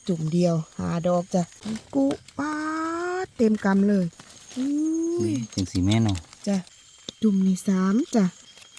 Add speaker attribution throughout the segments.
Speaker 1: จุ่มเดียวหาดอกจ้ะกุป้าเต็มกำเลย
Speaker 2: จังสีแม่เนาะ
Speaker 1: จ้ะจุ่มนี่3จ้ะ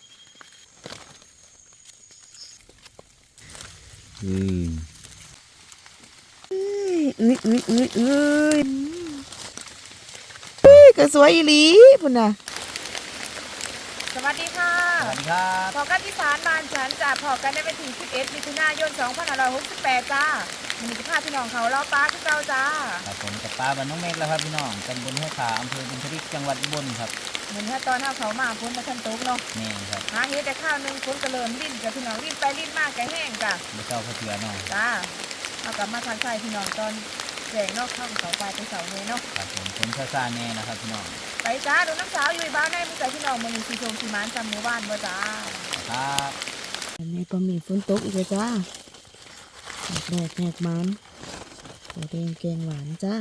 Speaker 1: ก็สวยอีหลีพุ่นน่ะสวัสดีค่ะ
Speaker 2: สวัสดีครับ
Speaker 1: พอกันที่ศาลบ้านฉันจ้ะพอกันได้ไปถึง11 มิถุนายน 2568จ้ามีสิภาพพี่น้องเขาเล่าป้าคือเก่าจ้า
Speaker 2: ครับผมกับป้าบ้านน้องเมฆแล้วครับพี่น้องตำบลห้วยขาอำเภอบุญทริกจังหวัดอุบลครับ
Speaker 1: เหมือนถ้าตอนเขามาฝนมาทันตกเนาะ
Speaker 2: แม่ครับ
Speaker 1: หาเฮ็ดแต่ข้าวนึงฝนก็เริ่มลิ้นกับพี่น้องลิ้นไปลิ้นมากก็แห้งจ้ะ
Speaker 2: ไม่เจ้าพระเถื่อเนาะ
Speaker 1: จ้าเอากลับมาทันใส่พี่น้องตอนแจงนอกข้างเขาไปเสาเลยเนาะ
Speaker 2: ครับผมฝนซาแน่นะครับพี่น้อง
Speaker 1: ไปจ้าดูน้ำสาวอยู่บ้านได้มึงใจพี่น้องมึงสีชมสีมันจำหมู่บ้านบ่จ้า
Speaker 2: ครับ
Speaker 1: อันนี้ปลาหมี่ฝนตกอีกแล้วจ้าแหกมันตัวแดงแกงหวานจ้า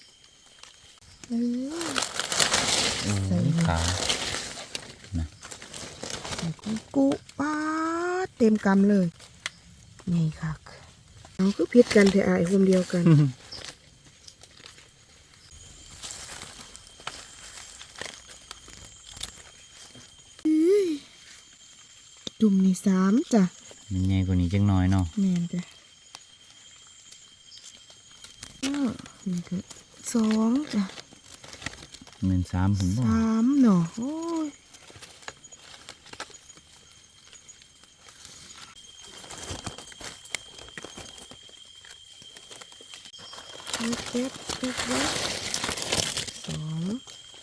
Speaker 2: ใส่ขานะ
Speaker 1: กุป้าเต็มกำเลยนี่ค่ะน้องคือพิษกันเถอะไอ้คนเดียวกันจุ่มนี่3จ้ะ
Speaker 2: มันใหญ่กว่านี้จังน้อยเนาะ
Speaker 1: แม่นจ้ะนี่ก็2จ้ะ
Speaker 2: เหมือน3ผมบอก
Speaker 1: 3เนาะโอ้ยเจ็บ2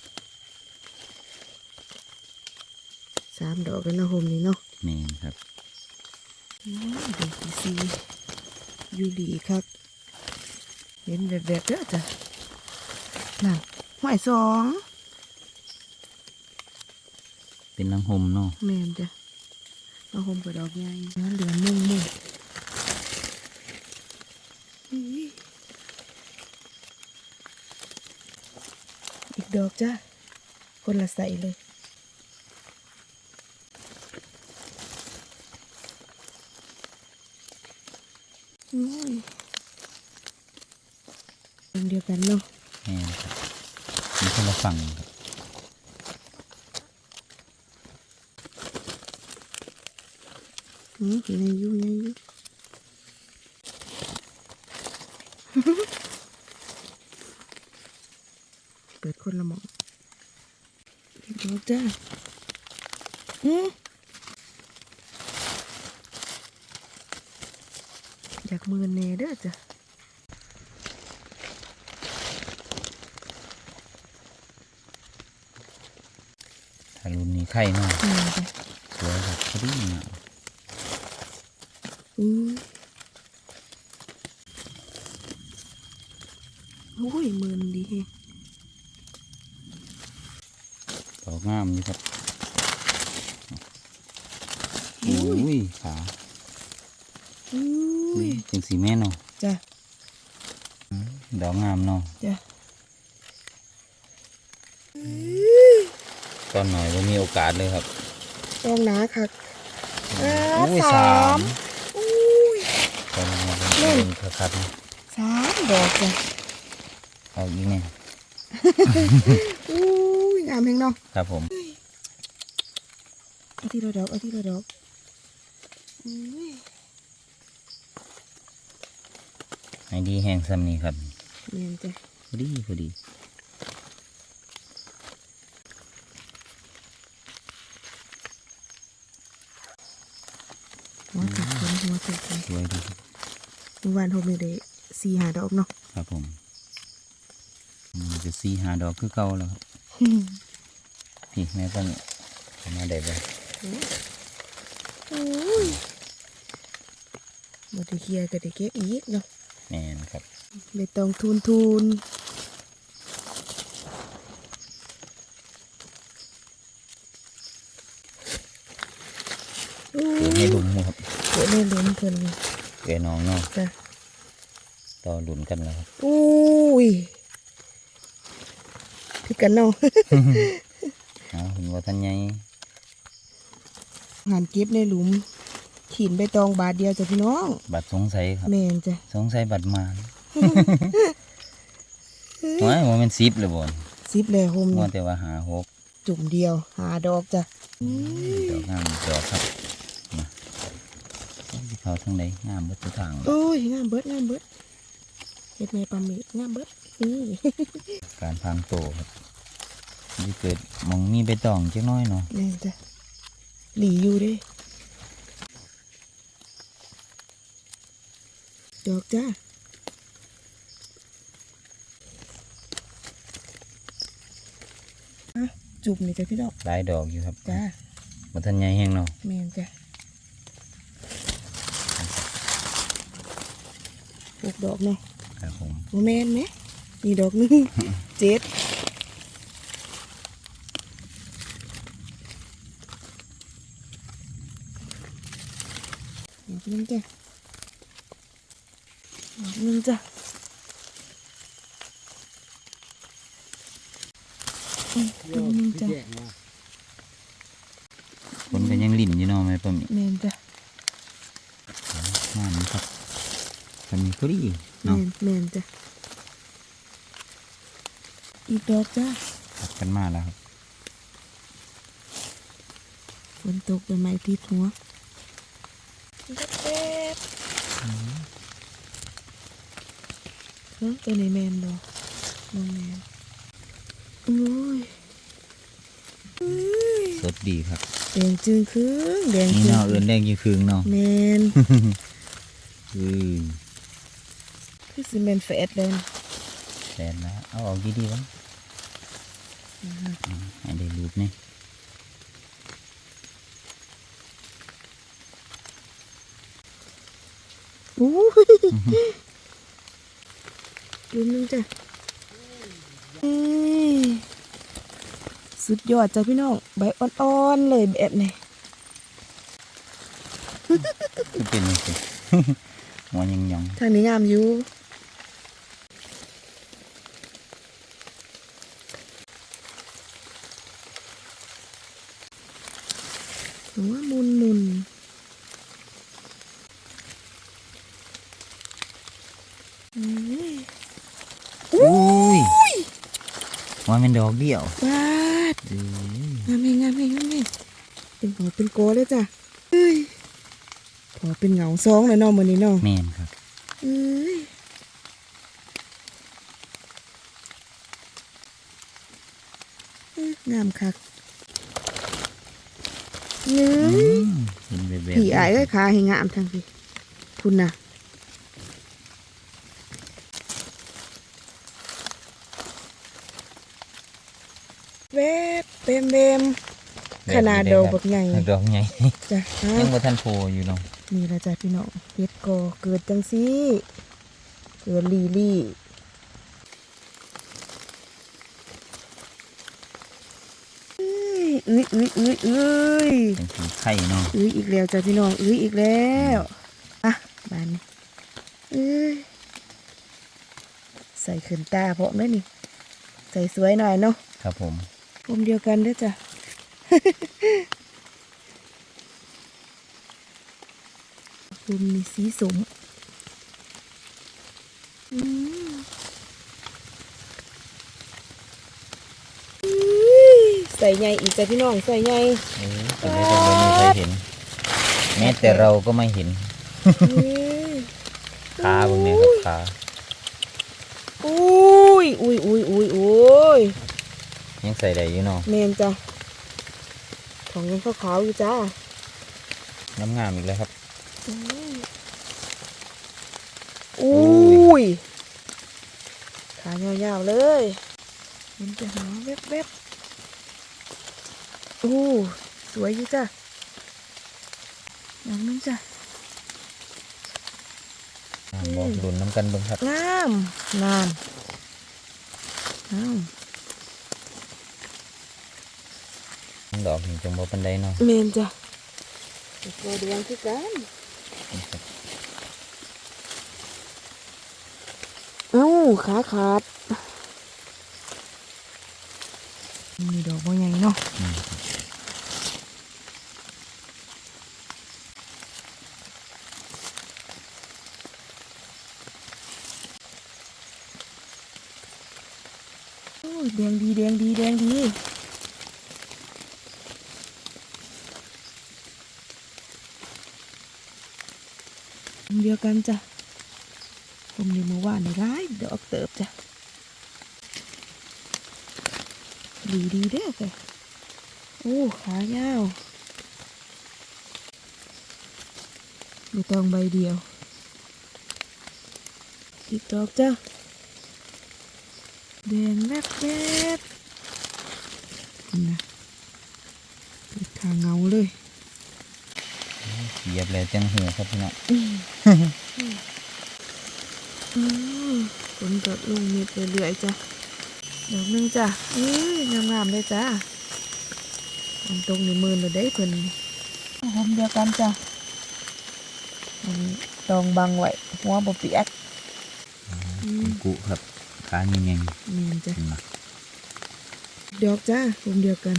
Speaker 1: 3 ดอกกันนะโฮมนี่เนาะ
Speaker 2: แม่ครับ
Speaker 1: ดอกที่4อยู่ดีครับเห็นแบบเด้อจ้ะน่ะห้อย2
Speaker 2: เป็นลังหมเนาะ
Speaker 1: แม่นจ้ะลังหมกับดอกใหญ่เหลือมุ่งอีกดอกจ้ะคนละใส่เลยเดียวกันเนาะ
Speaker 2: แม่ครับมีคนละฝั่งครับ
Speaker 1: ในยูเปิดคนละหมองดอกจ้าอยากมือเนเด้อจ้ะ
Speaker 2: ถ้ารุ่นนี้ไข่เนาะสวยครับพอดีนะ
Speaker 1: โอ้ยมือนดี
Speaker 2: ดอกงามนี่ครับโอ้ยขาจังสีแม่เนาะ
Speaker 1: จ้ะ
Speaker 2: ดอกงามเนาะ
Speaker 1: จ้ะ
Speaker 2: ตอนหน่อยว่ามีโอกาสเลยครับ
Speaker 1: ต้องหนาค่ะ
Speaker 2: 3ตอนนี้เป็นคัด
Speaker 1: 3 ดอกจ้ะ
Speaker 2: เอาอีกเนี่ย
Speaker 1: งามแพงเนาะ
Speaker 2: ครับผม
Speaker 1: เอาที่ละดอก
Speaker 2: ให้ดีแห้งซ้ำนี่ครับ
Speaker 1: เนียนจ้ะ
Speaker 2: พอดี
Speaker 1: หัวติด
Speaker 2: สวยดี
Speaker 1: เมื่อวานโฮมได้4-5 ดอกเนาะ
Speaker 2: ครับผมมันจะ4-5 ดอกคือเก่าแล้วครับพี่แม่เพิ่งมาได้เลย
Speaker 1: มาได้เคลียร์ก็ได้เก็บอีกเนาะ
Speaker 2: แม่นครับ
Speaker 1: ไม่ต้องทุน
Speaker 2: เกิดให้ลุมครับ
Speaker 1: เกิดให้ลุมเพิ่น
Speaker 2: เกิดน้องเนาะ
Speaker 1: จ้ะ
Speaker 2: ต่อหลุนกันแล้วครับ
Speaker 1: อุ้ยพี่กันเนาะ
Speaker 2: เห็นว่าท่านใหญ่
Speaker 1: งานเก็บในหลุมขีนใบตองบาทเดียวจ้ะพี่น้อง
Speaker 2: บัตรสงสัยครับ
Speaker 1: แม่นจ้ะ
Speaker 2: สงสัยบัตรมาโอ้ยว่ามัน10เลยบ่น
Speaker 1: 10เลยโฮม
Speaker 2: มัว
Speaker 1: นี่
Speaker 2: แต่ว่าหา6
Speaker 1: จุ่มเดียวหาดอกจ้ะ
Speaker 2: ดอกงามดอกครับมาที่เขาทางใดงามเบิดทุกทางเลย
Speaker 1: โอ้ยงามเบิดเฮ็ดแม่ปลาหมึกงามเบิดนี่
Speaker 2: การพรางโตครับที่เกิดหมองมีใบตองจักหน้อยเนาะ
Speaker 1: แม่นจ้ะหลีอยู่เด้ดอกจ้าจุ่มนี่จ้ะพี่ดอก
Speaker 2: หลายดอกอยู่ครับ
Speaker 1: จ้า
Speaker 2: บ่ทันใหญ่แฮงเนาะ
Speaker 1: แม่นจ้ะ6 ดอกเนาะ
Speaker 2: ครับผม
Speaker 1: โอ้แม่นไหมนี่ดอกหนึง 7ดอกหนึงจ้ะดอกหนึงจ้ะดอกหนึงจ้ะ
Speaker 2: คนก็ยังลิ้นอยู่เนาะแม่ป้าหมี
Speaker 1: แม่นจ้ะ
Speaker 2: งามครับก็มีพอดี
Speaker 1: แม่
Speaker 2: เนาะ
Speaker 1: นแม่นจ้ะอีกดอกจ้ะ
Speaker 2: ตัดกันมาแล้วครับ
Speaker 1: ฝนตกใบไม้ทิ่หัวแป๊บตัวไหนแมนบ่น้องแมนโอ้ย
Speaker 2: สดดีครับ
Speaker 1: แดงจึงครึ่งแดง
Speaker 2: นี่
Speaker 1: จึง
Speaker 2: เนาะเอื่นแดงอยู่คืงเนาะ
Speaker 1: แมน
Speaker 2: อ
Speaker 1: คือซีเมนแฟดเลย
Speaker 2: แสนแล้วเอาออกดีๆวะให้ได้รูปนี่
Speaker 1: โอ้ยดูนึงจ้ะสุดยอดจ้ะพี่น้องใบอ่อนๆเลยแบบนี้
Speaker 2: คือเป็นยังไง หัวยังยอง
Speaker 1: ทางนี้งามอยู่หัวมุน
Speaker 2: อุ้ยว่าเป็นดอกเดียว
Speaker 1: บาด
Speaker 2: เอ้ย
Speaker 1: งามงามเป็นหัวเป็นโกเลยจ้ะเอ้ยพอเป็นเหงาซองเลยเนาะมื้อนี้เนาะ
Speaker 2: แม่นครับ
Speaker 1: เอ้ยงามคักเนื้
Speaker 2: เห็นแบบ
Speaker 1: ผีอายก็ขาให้งามทางพี่คุณน่ะแวบเบมขนาดดอกบักใหญ่
Speaker 2: ดอกใหญ่
Speaker 1: จ้ะ
Speaker 2: ยังบ่ทันโพอยู่เนาะ
Speaker 1: นี่ละจ้ะพี่น้องเฮ็ดกอเกิดจังซี่เกิดลี่เอ้ย
Speaker 2: เป็นสีไข่เนาะ
Speaker 1: อีกแล้วจ้ะพี่น้องอีกแล้วอ่ะบานนี้ใส่ขึ้นตาพร้อมเลยนี่ใส่สวยหน่อยเนาะ
Speaker 2: ครับผม
Speaker 1: ผมเดียวกันเด้อจ้ะ ผมมีสีสมใส่ใหญ่อีกจ้ะพี่น้องใส่ใหญ่
Speaker 2: เป็นได้ก็ไม่มีใครเห็น แม้แต่เราก็ไม่เห็นขาบางเนี่ยครับขา
Speaker 1: อุ้ย
Speaker 2: ยังใส่ได้อยู่เนาะ
Speaker 1: เมนจ้ะของยังขาวๆอยู่จ้า
Speaker 2: งามๆอีกแล้วครับ
Speaker 1: อุ้ยขายาวๆเลยมันจะหาแวบๆอู้สวยอยู่จ้ะอย่างนึงจ้ะ
Speaker 2: บอกดุนน้ำกันเบิ่งครับ
Speaker 1: งามอ้าว
Speaker 2: ดอกนี่จังบ่ปันไดเนาะ
Speaker 1: เมนจ้ะตัวแดงคือกันเอ้าขาขาดมีดอกบัวใหญ่เนาะยแดงดีแดงดีแดงดีเดียวกันจ้ะผมในเมื่อวานในร้ายดอกเติบจ้ะดีดีเด้อค่ะโอ้ขายาวไม่ต้องใบเดียวอีกดอกจ้ะแดงแวบแวบนะเป็นทางเงาเลย
Speaker 2: เหยียบเลยจังหูครับพี่น้อง
Speaker 1: ฝนตกลงเม็ดเรื่อยๆจ้ะดอกหนึงจ้ะงามๆเลยจ้ะตรงนี้มือเราได้เพิ่นหอมเดียวกันจ้ะอันนี้ตองบังไว้หัวบ่เปียก
Speaker 2: กุครับขาเงี้ย
Speaker 1: นี่จ้ะ
Speaker 2: ๆมา
Speaker 1: ดอกจ้ะผมเดียวกัน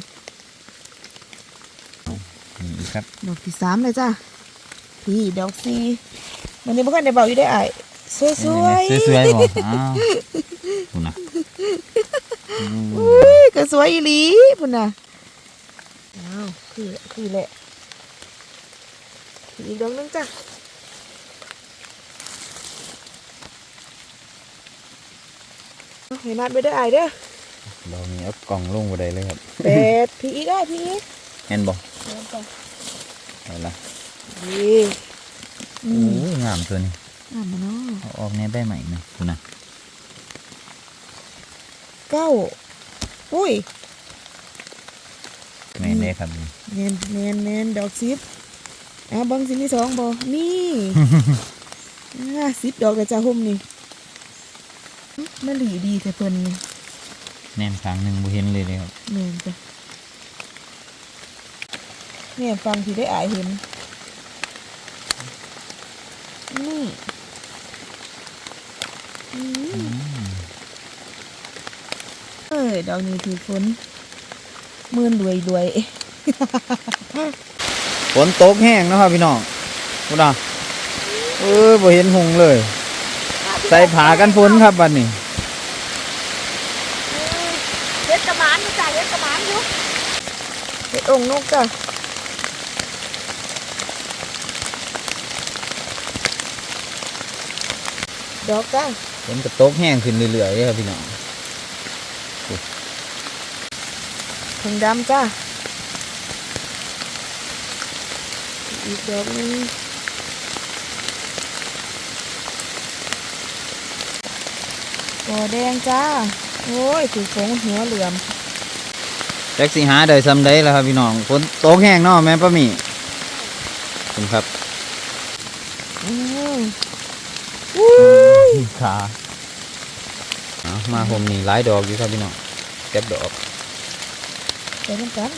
Speaker 2: นี่อีกครับ
Speaker 1: ดอกที่สามเลยจ้ะพี่ดอกสี่วันนี้เมื่อกันได้เบาอยู่ได้อ่ะสวย
Speaker 2: สวยๆบ่อ้าวคุณนะ
Speaker 1: ๆอุ้ยก็สวยอีหลีพุ่นน่ะอ้าวคือแหละอีกดอกหนึงจ้ะเห็นนัดไปได้อไอายเด้อ
Speaker 2: เรามีเอากล่องลงบ่ได้เลยครับ
Speaker 1: เป็ดพี่อีกได้พี่อีก
Speaker 2: เห็นบ่
Speaker 1: เดินไป
Speaker 2: เอาละ
Speaker 1: ดีอื
Speaker 2: โอ้
Speaker 1: ม
Speaker 2: ยงามตัวนี้
Speaker 1: อ่านมาเนาะ
Speaker 2: เอาออกแน่ใบใหม่นะคุณนะ
Speaker 1: เก้าอุ้ย
Speaker 2: แม่นเลยครับนี่
Speaker 1: แมนดอกซิปบังสิมีสองบ่นี่ 10 ดอกเลยจ้าหุ่มนี่มะหลีดีแต่เพิ่นนี่
Speaker 2: แน่นข้างหนึงบ่เห็นเลยเลยครับ
Speaker 1: แม่นจ้ะแม่ฟังที่ได้อายเห็นนี่อืมดอกนี้ถือฝนมื่นรวย
Speaker 2: ฝนตกแห้งเนาะครับพี่น้องคุณนะบ่เห็นหงเลย ใส่ผ้ากันฝนครับบัดนี้
Speaker 1: เฮ็ดกระหมานจ้ะเฮ็ดกระหมานอยู่เฮ็ดองค์นกจ้ะดอกจ้ะ
Speaker 2: ฝนก็ตกแห้งขึ้นเรื่อยๆเลยครับพี่น้อง
Speaker 1: ถุงดำจ้ะอีกดอกหนึงกอแดงจ้าโอ้ยถือฟงหัวเหลื่อม
Speaker 2: แจ็คสิหาได้ซำใดล่ะครับพี่น้องฝนตกแห้งเนาะแม่ป้าหมีขอบคุณครับ
Speaker 1: อุ้ย
Speaker 2: ขาเอามาผมนี่หลายดอกอยู่ครับพี่น้องเก็บดอก
Speaker 1: ไปน้ำกัน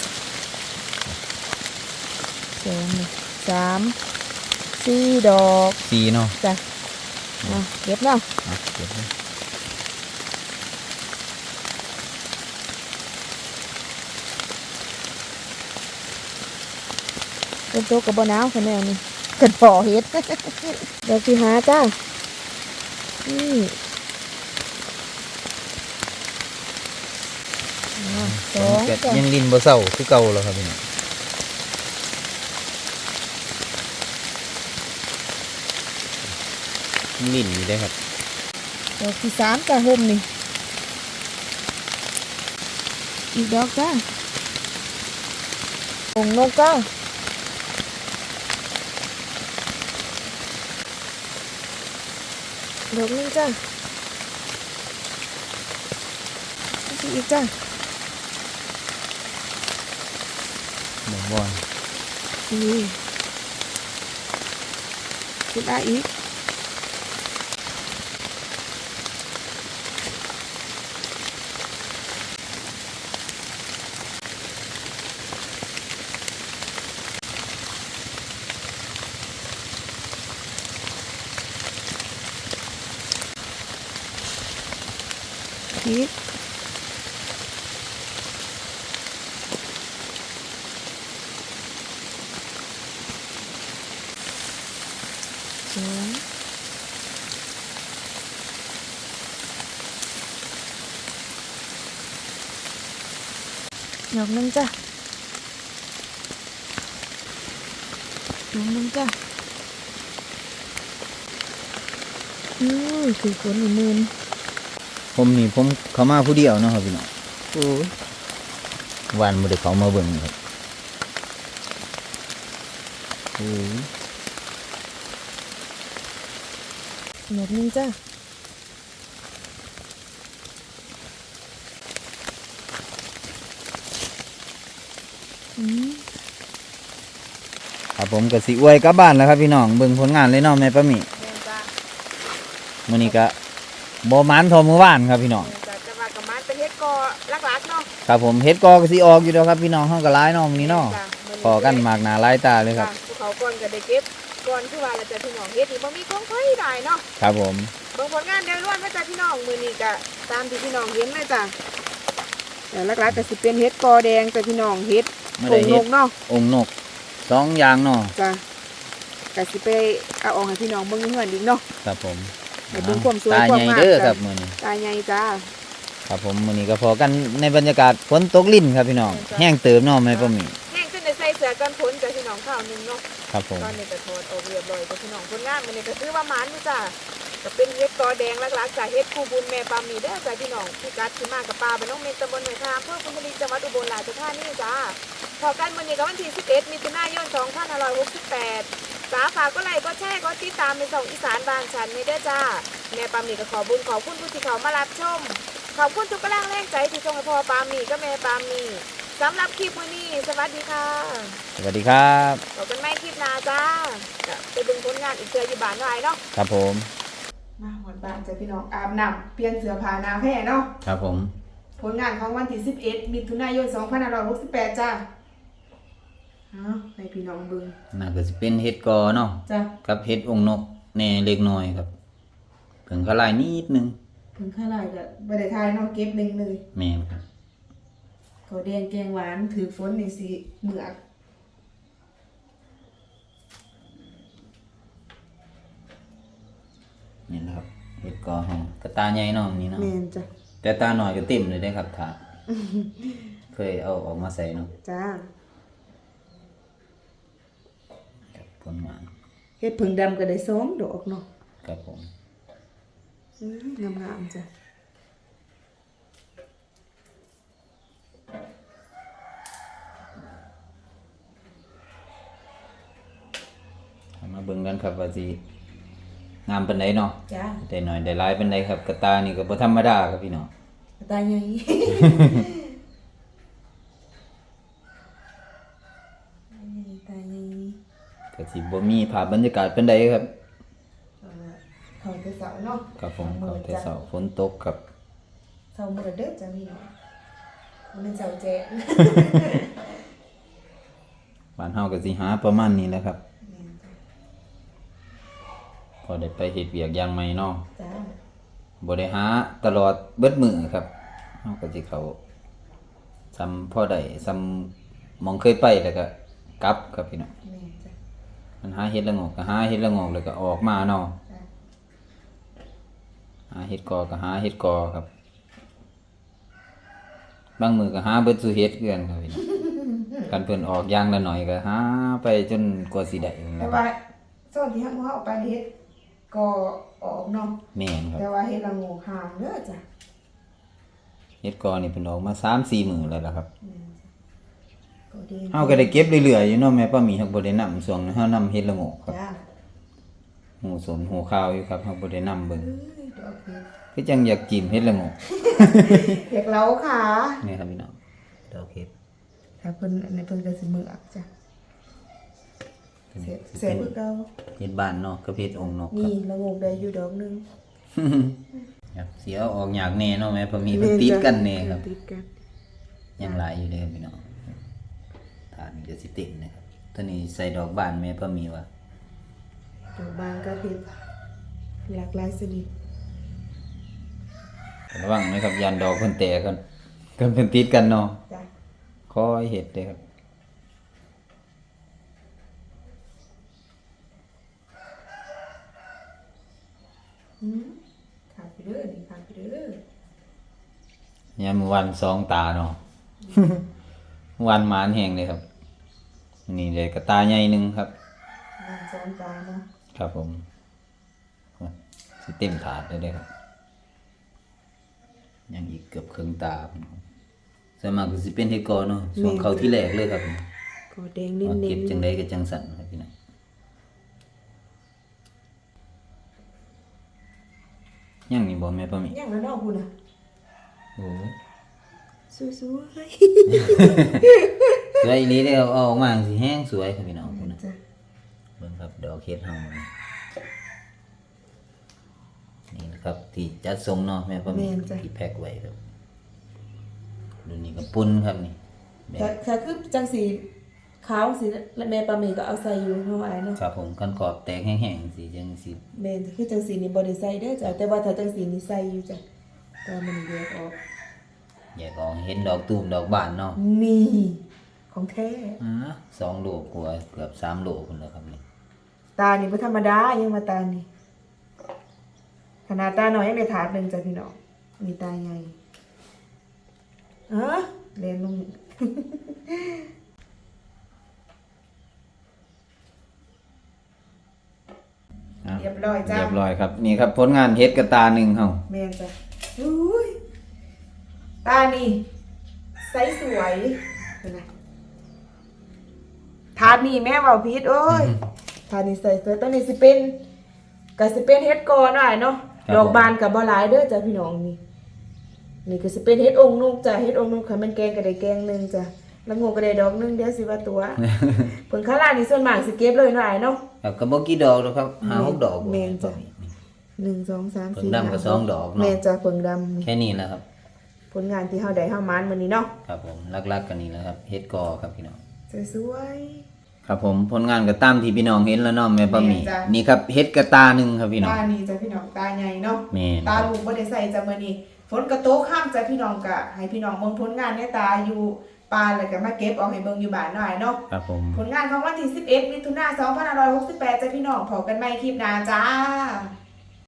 Speaker 1: สองนี่สามสี่ดอก
Speaker 2: สีเนาะ
Speaker 1: จ้ะมาเก็บเนาะ
Speaker 2: เอาเก็บเลย
Speaker 1: เป็นโต๊ะกับบะนาวคะแนนนี่กันพอเฮ็ด ดอกที่หาจ้านี่สอง
Speaker 2: เก็บ
Speaker 1: จ้ะ
Speaker 2: ยังลินบ่เศร้าคือเก่าแล้วครับพี่น้องยังลินอยู่ได้ครับ
Speaker 1: ดอกที่สามจ้ะห่มนี่อีกดอกจ้าองค์นกจ้าดอกนึงจ้าอีกจ้า
Speaker 2: บ่บอน
Speaker 1: นี่คิดได้อีกอีกสองดอกหนึงจ้ะดอกหนึงจ้ะคือฝนอีมืน
Speaker 2: ผมนี่ผมเขามาผู้เดียวเนาะครับพี่น้องโอ้ยวันบ่ได้เขามาเบิ่งครับโอ้ย
Speaker 1: ดอกหนึงจ้ะอืม
Speaker 2: ครับผมก็สิอวยกลับบ้านแล้วครับพี่น้องเบิ่งผลงานเลยเนาะแม่ป้าหมี
Speaker 1: แม่นจ้ะ
Speaker 2: มื้อนี้ก็บ่หมานเทอมื้อวานครับพี่น้อง
Speaker 1: แม่นจ้ะจะว่ากับมันเป็นเฮ็ดกอลักๆเนาะ
Speaker 2: ครับผมเฮ็ดกอก็สิออกอยู่แล้วครับพี่น้องเฮาก็หลายเนาะมื้อนี้เนาะ
Speaker 1: จ้ะ
Speaker 2: พอกันมากหน้าหลายตาเลยครับ
Speaker 1: จ้ะภูเขาก่อนก็ได้เก็บก่อนคือว่าเราจะพี่น้องเฮ็ดนี่บ่มีของไผได้เนาะ
Speaker 2: ครับผม
Speaker 1: เบิ่งผลงานโดยรวมนะจ้ะพี่น้องมื้อนี้ก็ตามที่พี่น้องเห็นเลยจ้ะแต่หลักๆก็สิเป็นเฮ็ดกอแดงจ้ะพี่น้องเฮ็ด
Speaker 2: ไม่
Speaker 1: โง
Speaker 2: ได้เฮ็
Speaker 1: น
Speaker 2: ด
Speaker 1: กเนาะ
Speaker 2: องค์นก2อย่างเนาะ
Speaker 1: จ้ะก็สิไปเอาออกให้พี่น้องเบิ่งเฮือนอีกเนาะ
Speaker 2: ครับผม
Speaker 1: ให้เบิ่งความสวย
Speaker 2: ตา
Speaker 1: ความ
Speaker 2: ใหญ่
Speaker 1: งาม
Speaker 2: เด้อ
Speaker 1: จ้ะ
Speaker 2: ครับมื้อนี้
Speaker 1: ตาใหญ่จ้า
Speaker 2: ครับผมมื้อนี้ก็พอกันในบรรยากาศฝนตกลิ่นครับพี่น้องแห้งเติมเนาะแม่ป้าหมี
Speaker 1: แห้งขึ้นได้ใส่เสื้อกันฝนจ้ะพี่น้องข้าวหนึงเนาะ
Speaker 2: ครับผม
Speaker 1: ตอนนี้ก็ถอดออกเรียบร้อยจ้ะพี่น้องผลงานมื้อนี้ก็คือว่าหมานอยู่จ้ะก็เป็นเฮ็ดกอแดงหลักๆจ้ะเฮ็ดคู่บุญแม่ปามีเด้อจ้ะพี่น้องพี่กัดที่มากับปลาบ้านน้องเมนตำบลหนองคามอำเภอพุนบุรีจังหวัดอุบลราชธานีจ้าพอกันมื้อนี้ก็วันที่11มิถุนายน2568จ้าฝากก็ไลค์ก็แชร์ก็ติดตามในช่องอีสานบ้านฉันนี่เด้อจ้าแม่ปามีก็ขอบุญขอบคุณผู้ที่เขามารับชมขอบคุณทุกกำลังแรงใจที่ส่งให้พ่อปามีก็แม่ปามีสำหรับคลิปมื้อนี้สวัสดีค่ะ
Speaker 2: สวัสดีครับ
Speaker 1: ต่อกันไม่คลิปหน้าจ้าจะไปดึงผลงานอีกเจออยู่บ้านหน่อยเนาะ
Speaker 2: ครับผม
Speaker 1: มาหมดบ้านจ้ะพี่น้องอาบน้ำเปลี่ยนเสื้อผ้าหน้าแพร่เนาะ
Speaker 2: ครับผม
Speaker 1: ผลงานของวันที่11มิถุนายน2568จ้าให้พี่น้องเบิ่ง
Speaker 2: น่าก็สิเป็นเฮ็ดกอเนาะ
Speaker 1: จ้ะ
Speaker 2: กับเฮ็ดองค์นกแหน่เล็กน้อยครับเพิ่งเขาลายนิดนึง
Speaker 1: ถึงข้าไรก็บ่ได้ทายเนาะเก็บหนึ่งเลย
Speaker 2: แม่นครับ
Speaker 1: ข้าวแดงแกงหวานถือฝนนี่สิเหมือก
Speaker 2: นี่นะครับเฮ็ดกอของกระตาใหญ่เนาะนี่เนาะ
Speaker 1: แม่นจ้ะ
Speaker 2: แต่ตาหน่อยก็เต็มเลยได้ครับถาดเคยเอาออกมาใส่เนาะ
Speaker 1: จ้า
Speaker 2: ครับผลงาน
Speaker 1: เฮ็ดผึ่งดำก็ได้2ดอกเนาะ
Speaker 2: ครับผม
Speaker 1: งามๆจ้ะ
Speaker 2: เอามาเบิ่งกันครับว่าสิงามปานใดเนาะ
Speaker 1: จ้า
Speaker 2: ได้หน่อยได้หลายปานใดครับกระตานี่ก็บ่ธรรมดาครับพี่น้อง
Speaker 1: ตาใหญ่ ตาใหญ่
Speaker 2: ก็สิบ่มีภาพบรรยากาศปานใดครับ
Speaker 1: เขาแต่เสาเนาะ
Speaker 2: ครับผมก็แต่เช้าฝนตกครับ
Speaker 1: เสามื้อเด้อจ้ะพี่น้องมันเป็นเสาแจ๊ะ
Speaker 2: บ้านเฮาก็สิหาประมาณนี้แหละครับ พอได้ไปเฮ็ดเวียกอย่างใหม่เนาะ
Speaker 1: จ้า
Speaker 2: บ่ได้หาตลอดเบิดมื้อครับเฮาก็สิเข้าซ้ำพอได้ซ้ำหมองเคยไปแล้วก็กลับครับพี่น้อง
Speaker 1: แม่จ้ะ
Speaker 2: มันหาเฮ็ดละโงกก็หาเฮ็ดละโงกแล้วก็ออกมาเนาะ
Speaker 1: จ้ะ
Speaker 2: หาเฮ็ดกอก็หาเฮ็ดกอครับบางมื้อก็หาเบิดสุเฮ็ดคือกันครับพี่น้องกันเพิ่นออกอย่างละหน่อยก็หาไปจนกว่าสิได้นั่นแห
Speaker 1: แต่
Speaker 2: ละครั
Speaker 1: ว่า
Speaker 2: บ
Speaker 1: ส่วนที่เฮาเอาไปเฮ็ดก็ออกเนาะ
Speaker 2: แม่นครับ
Speaker 1: แต่ว่าเฮ็ดละโงูห่างเด้อจ้ะ
Speaker 2: เฮ็ดกอนี่เพิ่นออกมา 3-4 มื้อแล้วล่ะครับ
Speaker 1: ก็ดี
Speaker 2: เฮาก็ได้เก็บเรื่อยๆอยู่เนาะแม่ป้าหมีเฮาบ่ได้นำช่วงนั้นเฮานำเฮ็ดละโงกครับ
Speaker 1: จ้า
Speaker 2: หูสนหูข้าวอยู่ครับเฮาบ่ได้นำเบิ่ง
Speaker 1: ดอกเฮ็ด
Speaker 2: คือจังอยากจิ้มเฮ็ดละโงก
Speaker 1: เฮ็ดเล้าค่ะ
Speaker 2: นี่ครับพี่น้องดอกเฮ็ด
Speaker 1: ถ้าเพิ่นอันนี้เพิ่นก็สิมืออักจ้ะเสียคือเก่า
Speaker 2: เฮ็ดบ้านเนาะกับเฮ็ดองค์นกครับ
Speaker 1: นี่ละโงูได้อยู่ดอกหนึง
Speaker 2: ครับเสียออกยากแน่เนาะแม่ป้าหมีเพิ่นติดกันแน่ครับ
Speaker 1: ติดกัน
Speaker 2: ยังหลายอยู่เลยครับพี่น้องฐานเดี๋ยวสิติดนะครับตัวนี้ใส่ดอกบานแม่ป้าหมีว่า
Speaker 1: ดอกบางก็เฮ็ดหลากหลายชนิด
Speaker 2: ระวังนะครับยันดอกเพิ่นแตกกันเพิ่นติดกันเนาะ
Speaker 1: จ้ะ
Speaker 2: คอยเฮ็ดเด้อครับ
Speaker 1: ขาดไปเด้อนี่ขาดไปเด้อย
Speaker 2: ามมื้อวันสองตาเนาะหวานหมานแห้งเลยครับ นี่เลยกระตาใหญ่หนึงครับ
Speaker 1: งานซ้อนตาเนาะ
Speaker 2: ครับผมสิเต็มถาดเลยเด้อครับยังอีกเกือบครึ่งตาส่วนมากก็สิเป็นเฮ็ดกอเนาะส่วนเขาที่แรกเลยครับ
Speaker 1: ก็แดงนิ่
Speaker 2: ว่าเก็บ
Speaker 1: ม
Speaker 2: จังไดก็จังสั่นครับพี่น้องยังนี่บ่แม่ป้าหมี
Speaker 1: ๆยังแล้วเนาะคุณน่ะ
Speaker 2: โอ้ย
Speaker 1: สวย
Speaker 2: สวยอีหลีเด้อครับเอาออกมาสิแห้งสวยครับพี่น้องพุ่นน่ะ
Speaker 1: ๆจ้ะ
Speaker 2: เบิ่งครับดอกเฮ็ดเฮานี่นะครับที่จัดทรงเนาะแม่ป้าหมีที่แพ็คไว้ครับรุ่นนี้ก็ปุ่นครับนี่แบบ
Speaker 1: ถ้าคือจังสีขาวสีและแม่ปลาหมีก็เอาใส่อยู่เนาะอ้ายเนาะ
Speaker 2: ครับผมคันขอบแตกแห้งๆสิจังสิ
Speaker 1: แม่นคือจังสีนี่บ่ได้ใส่เด้อจ้ะแต่ว่าถ้าจังสีนี่ใส่อยู่จ้ะตามันแยกออก
Speaker 2: แยกออกเห็นดอกตูมดอกบานเนาะ
Speaker 1: นี่ของแท้
Speaker 2: 2 โลกว่าเกือบ3 โลพุ่นแล้วครับนี่
Speaker 1: ตานี่บ่ธรรมดายังมาตานี่ขนาดตาน้อยยังได้ถาดหนึงจ้ะพี่น้องมีตาใหญ่เรียนลง
Speaker 2: อ่ะ
Speaker 1: เรียบร้อยจ้ะ
Speaker 2: เรียบร้อยครับนี่ครับผลงานเฮ็ดกระตาหนึ่งเฮา
Speaker 1: แม่นจ้ะอุ้ยตานี่ใสสวยเป็นไงทานนี่แม่เว้าผิดโอ้ยทานนี่ใสสวยตอนนี้สิเป็นก็สิเป็นเฮ็ดกอหน่อยเนาะดอกบานก็บ่หลายเด้อจ้ะพี่น้องนี่นี่ก็สิเป็นเฮ็ดองค์นุกจ้ะเฮ็ดองค์นุกค่ะมันแกงก็ได้แกงหนึงจ้ะแล้วงูก็ได้ดอกหนึงเดี๋ยวสิว่าตัว ผลข้างล่างนี่ส่วนมากสิเก็บเลยหน่อยเนาะ
Speaker 2: ครับก็บ่กี่ดอกหรอกครับ5-6 ดอก
Speaker 1: แม่นจ้ะ 1 2 3
Speaker 2: เพิ่ง
Speaker 1: 4
Speaker 2: ดำก็2 ดอกเนาะ
Speaker 1: แม่นจ้ะเพิ่งดำนี่
Speaker 2: แค่นี้แหละครับ
Speaker 1: ผลงานที่เฮาได้เฮามานมื้อนี้เนาะ
Speaker 2: ครับผมลักๆกันนี่แหละครับเฮ็ดกอครับพี่น้อง
Speaker 1: สวย
Speaker 2: ครับผมผลงานก็ตามที่พี่น้องเห็นแล้วเนาะแม่ป้าหมี
Speaker 1: แม่นจ้ะ
Speaker 2: นี่ครับเฮ็ดกระตาหนึ่งครับพี่
Speaker 1: ๆ
Speaker 2: น้อง
Speaker 1: ตานี่จ้ะพี่น้องตาใหญ่เนาะ
Speaker 2: แม่น
Speaker 1: ตาลูกบ่ได้ใส่จ้ะมื้อนี้ฝนกระโตกข้ามจ้ะพี่น้องก็ให้พี่น้องเบิ่งผลงานในตาอยู่ปานแล้วก็มาเก็บเอาให้เบิ่งอยู่บ้านหน่อยเนาะ
Speaker 2: ครับผม
Speaker 1: ผลงานของวันที่11มิถุนายน2568จ้ะพี่น้องพบกันใหม่คลิปหน้าจ้า